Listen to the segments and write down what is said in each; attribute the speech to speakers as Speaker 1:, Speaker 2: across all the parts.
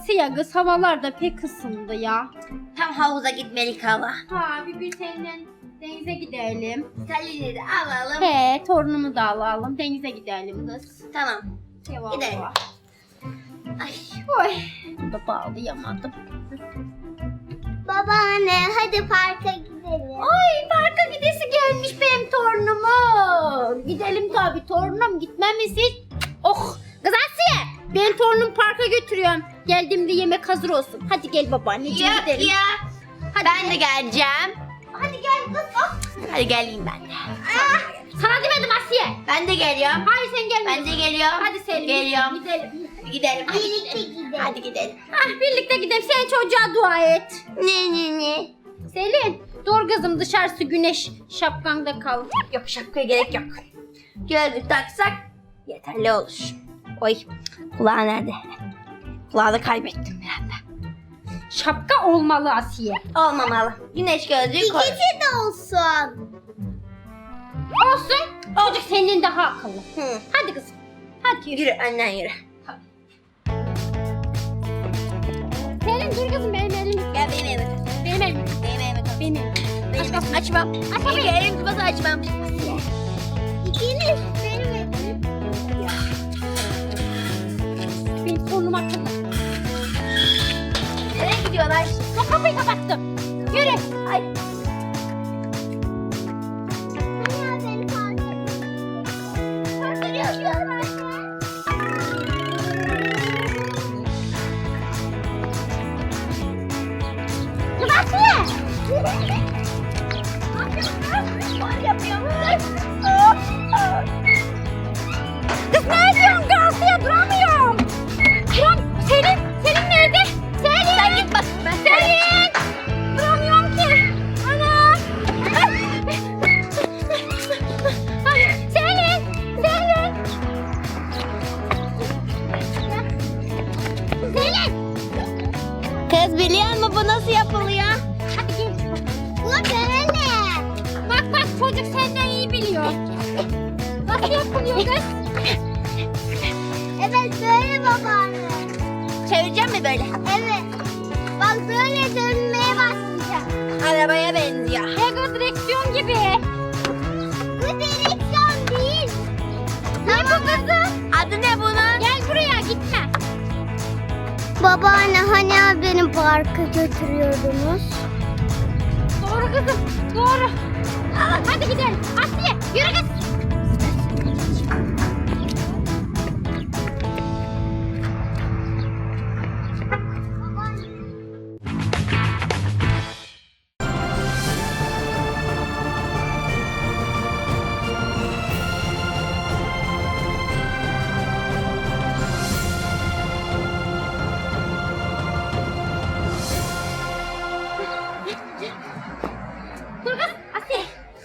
Speaker 1: Asiye kız havalar da pek ısındı ya.
Speaker 2: Tam havuza gitmelik hava.
Speaker 1: Ha bir gün seninle denize gidelim.
Speaker 2: Salini de alalım.
Speaker 1: He torunumu da alalım denize gidelim kız.
Speaker 2: Tamam.
Speaker 1: Eyvallah.
Speaker 2: Gidelim. Ay.
Speaker 1: Oy. Burada bağlayamadım.
Speaker 3: Babaanne hadi parka gidelim.
Speaker 1: Ay parka gidesi gelmiş benim torunumun. Gidelim tabii torunum gitmem mi siz? Oh kız Asiye ben torunumu parka götürüyorum. Geldiğimde yemek hazır olsun. Hadi gel babaanneciğim
Speaker 2: Ya,
Speaker 1: gidelim.
Speaker 2: ya.
Speaker 1: Hadi
Speaker 2: Ben
Speaker 1: gel.
Speaker 2: de geleceğim.
Speaker 1: Hadi gel kız. Oh.
Speaker 2: Hadi geleyim ben de.
Speaker 1: Sana demedim Asiye.
Speaker 2: Ben de geliyorum.
Speaker 1: Hayır sen gelme.
Speaker 2: Ben de geliyorum.
Speaker 1: Hadi Selim.
Speaker 2: Geliyorum.
Speaker 1: Gidelim.
Speaker 2: Gidelim. Hadi
Speaker 3: Birlikte
Speaker 2: gidelim.
Speaker 3: gidelim.
Speaker 2: Hadi gidelim.
Speaker 1: Ah birlikte gidelim. Sen çocuğa dua et.
Speaker 2: Ne?
Speaker 1: Selin dur kızım dışarısı güneş şapkanda kal.
Speaker 2: Yok şapkaya gerek yok. Gözlük taksak yeterli olur. Oy kulağı nerede? Kulağı da kaybettim bir anda.
Speaker 1: Şapka olmalı Asiye.
Speaker 2: Olmamalı. Güneş gözlüğü koy.
Speaker 3: İkisi de olsun.
Speaker 1: Olsun. Çocuk senin daha akıllı.
Speaker 2: Hı.
Speaker 1: Hadi kızım. Hadi yürü.
Speaker 2: Yürü annen yürü.
Speaker 1: Selin dur kızım benim elim.
Speaker 2: Gel benim elime tut.
Speaker 1: Benim elim.
Speaker 2: Benim elime tut.
Speaker 1: Benim elim.
Speaker 2: Benim elime açmam.
Speaker 1: Açamam.
Speaker 2: İlk elim tutmasa açmam.
Speaker 3: İkiniz benim elim.
Speaker 1: Benim torunum akıllı.
Speaker 2: Nereye gidiyorlar?
Speaker 1: Bak kapıyı kapattım. Yürü.
Speaker 2: Ay.
Speaker 3: Anne beni parka. Parka gidiyorum anne.
Speaker 1: Kız Asiye.
Speaker 2: Var yapıyorum.
Speaker 1: Kız ne ediyorsun kız Asiye duramıyorum. Duram. Selin nerede? Selin.
Speaker 2: Sen git bak. Ben
Speaker 1: Selin. Duramıyorum ki. Ana. Ay, Selin. Selin. Selin.
Speaker 2: Kız biliyor musun bu nasıl yapılıyor?
Speaker 1: Hadi gel.
Speaker 3: Bu böyle.
Speaker 1: Bak çocuk senden iyi biliyor. Nasıl yapılıyor kız?
Speaker 3: Evet böyle babaanne.
Speaker 2: Çevireceğim mi böyle?
Speaker 3: Evet. Bak böyle dönmeye başlayacak.
Speaker 2: Arabaya benziyor.
Speaker 1: Ego direksiyon gibi.
Speaker 3: Bu direksiyon değil.
Speaker 1: Ne bu kızım?
Speaker 2: Adı ne bunun?
Speaker 1: Gel buraya gitme.
Speaker 3: Babaanne hani beni parka götürüyordunuz?
Speaker 1: Doğru kızım. Doğru. Hadi gidelim. Asiye yürü kız. Dur kız. Asiye.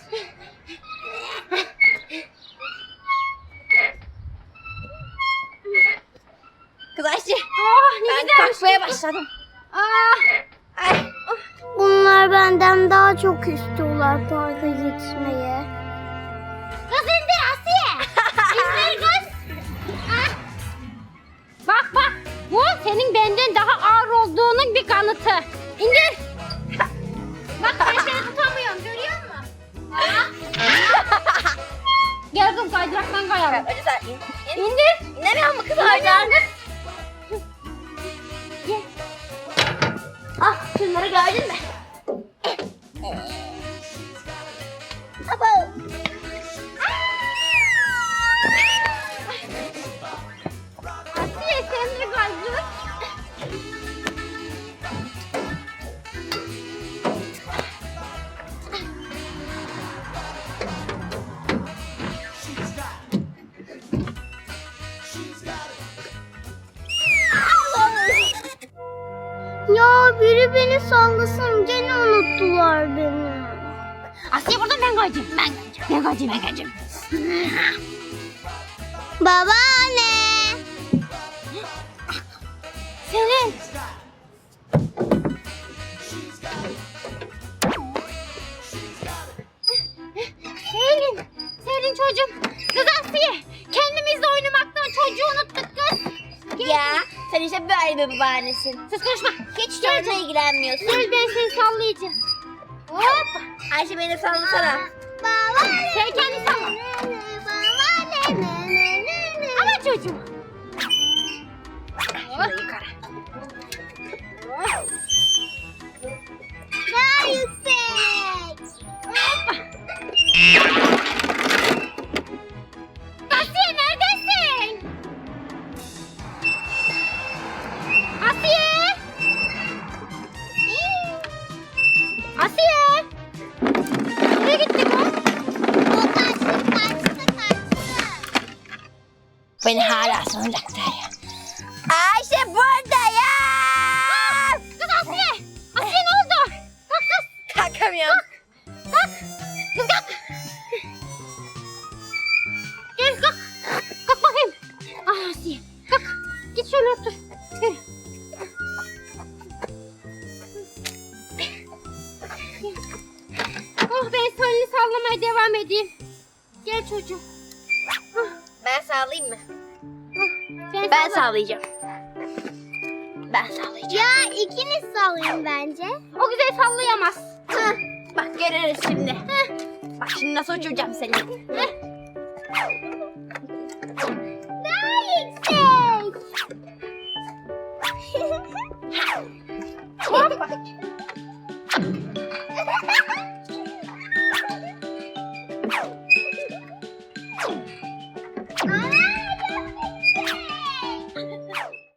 Speaker 2: Kız Ayşe.
Speaker 1: Oh ne
Speaker 2: Ben
Speaker 1: güzelmiş.
Speaker 2: kalkmaya başladım.
Speaker 1: Ah.
Speaker 2: Ay.
Speaker 3: Bunlar benden daha çok istiyorlar parka gitmeye.
Speaker 1: Kız indir Asiye. İndir kız. Ah. Bak. Bu senin benden daha ağır olduğunun bir kanıtı. İndir. Bak ben seni tutamıyorum görüyor musun? Ah. Gel kız kaydıraktan kayalım.
Speaker 2: Hadi sen in.
Speaker 1: İndir.
Speaker 2: İnemiyor mu kız
Speaker 1: İnemiyorum
Speaker 2: oradan?
Speaker 1: kız. Gel.
Speaker 2: Ah şunları gördün mü?
Speaker 1: Asiye sen de kaydır.
Speaker 3: Ya biri beni sallasın gene unuttular beni.
Speaker 1: Asiye buradan ben kayacağım. Ben kayacağım.
Speaker 3: Babaanne.
Speaker 1: Selin. Selin çocuğum. Kız Asiye. Kendimizle oynamaktan çocuğu unuttuk kız. Gel.
Speaker 2: Ya Sen işte böyle bir babaannesin.
Speaker 1: Sus konuşma.
Speaker 2: Hiç çocukla ilgilenmiyorsun.
Speaker 1: Gel ben seni sallayacağım. Hop.
Speaker 2: Ayşe beni sallasana.
Speaker 1: Sen kendin salla. Ama çocuğum.
Speaker 2: Şurada yukarı.
Speaker 3: Daha yüksek.
Speaker 1: Asiye neredesin? Asiye. Asiye. Nereye gitti bu?
Speaker 3: O kaçtı.
Speaker 2: Beni hala sanacaklar ya. Ayşe burada ya.
Speaker 1: Kız Asiye. Asiye ne oldu? Kalk kız.
Speaker 2: Kalkamıyorum.
Speaker 1: Kalk. Kız kalk. Gel kalk. Kalk bakayım. Ah Asiye. Kalk. Git şöyle otur. Gel. Oh ben seni sallamaya devam edeyim. Gel çocuğum.
Speaker 2: Ben sağlayayım mı?
Speaker 1: Ben
Speaker 2: Ben
Speaker 1: salla-
Speaker 2: sağlayacağım. Ben sağlayacağım.
Speaker 3: Ya ikiniz sallayın bence.
Speaker 1: O güzel sallayamaz.
Speaker 2: Hah, bak görürüz şimdi. Hah, bak şimdi nasıl uçuracağım seni. Hah.
Speaker 3: Daha yüksek.
Speaker 2: Hoppa.